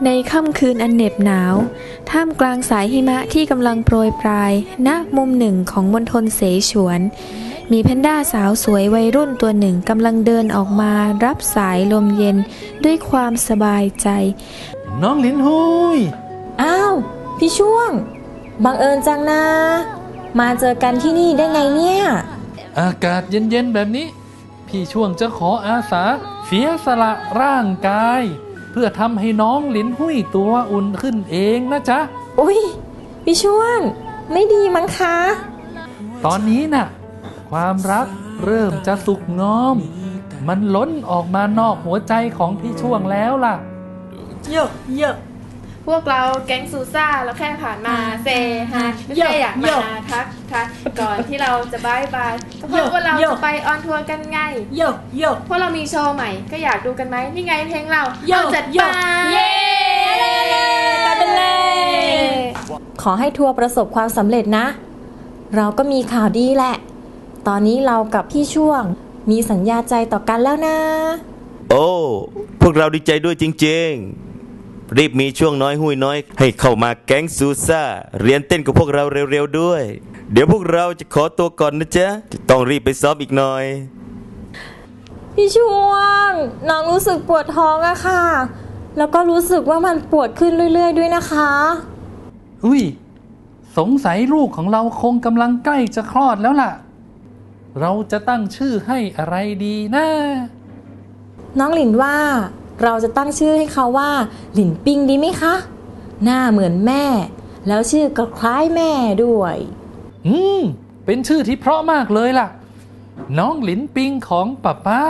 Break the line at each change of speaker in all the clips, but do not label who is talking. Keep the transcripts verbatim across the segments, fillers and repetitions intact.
ในค่ำคืนอันเหน็บหนาวท่ามกลางสายหิมะที่กำลังโปรยปลายณมุมหนึ่งของมณฑลเสฉวนมีแพนด้าสาวสวยวัยรุ่นตัวหนึ่งกำลังเดินออกมารับสายลมเย็นด้วยความสบายใจ
น้องหลินหุย
อ้าวพี่ช่วงบังเอิญจังนะมาเจอกันที่นี่ได้ไงเนี่ย
อากาศเย็นๆแบบนี้พี่ช่วงจะขออาสาเสียสละร่างกายเพื่อทำให้น้องหลินหุยตัวอุ่นขึ้นเองนะจ๊ะ
อุ๊ยพี่ช่วงไม่ดีมั้งคะ
ตอนนี้น่ะความรักเริ่มจะสุกงอมมันล้นออกมานอกหัวใจของพี่ช่วงแล้วล่ะ
เยอะเยอะ
พวกเราแก๊งซูซ่าเราแค่ผ่านมาเซฮายไม่ใช่อยากมาทักทักก่อนที่เราจะบายบายเพราะว่าเราจะไปออนทัวร์กันไง
เยอะเยอะ
เพราะเรามีโชว์ใหม่ก็อยากดูกันไหมนี่ไงเพลงเราเอาจัดไป
เย้กันเลยขอให้ทัวร์ประสบความสำเร็จนะเราก็มีข่าวดีแหละตอนนี้เรากับพี่ช่วงมีสัญญาใจต่อกันแล้วนะ
โอ้พวกเราดีใจด้วยจริงๆรีบมีช่วงน้อยหุ้ยน้อยให้เข้ามาแก๊งซูซ่าเรียนเต้นกับพวกเราเร็วๆด้วยเดี๋ยวพวกเราจะขอตัวก่อนนะจ๊ะต้องรีบไปซ้อมอีกหน่อย
พี่ช่วงน้องรู้สึกปวดท้องอะค่ะแล้วก็รู้สึกว่ามันปวดขึ้นเรื่อยๆด้วยนะคะ
อุ้ยสงสัยลูกของเราคงกำลังใกล้จะคลอดแล้วล่ะเราจะตั้งชื่อให้อะไรดีนะ
น้องหลินว่าเราจะตั้งชื่อให้เขาว่าหลินปิงดีไหมคะหน้าเหมือนแม่แล้วชื่อก็คล้ายแม่ด้วย
อืมเป็นชื่อที่เพราะมากเลยล่ะน้องหลินปิงของป๊าป๊า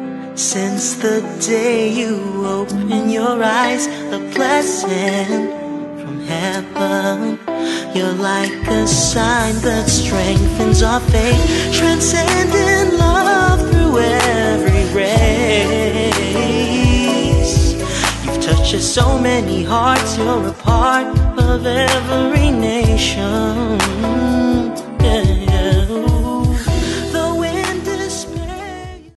Since the day you open your eyes a blessing from heaven you're like a sign that strengthens our faith transcending love through every race you've touched so many hearts you're a part of every nation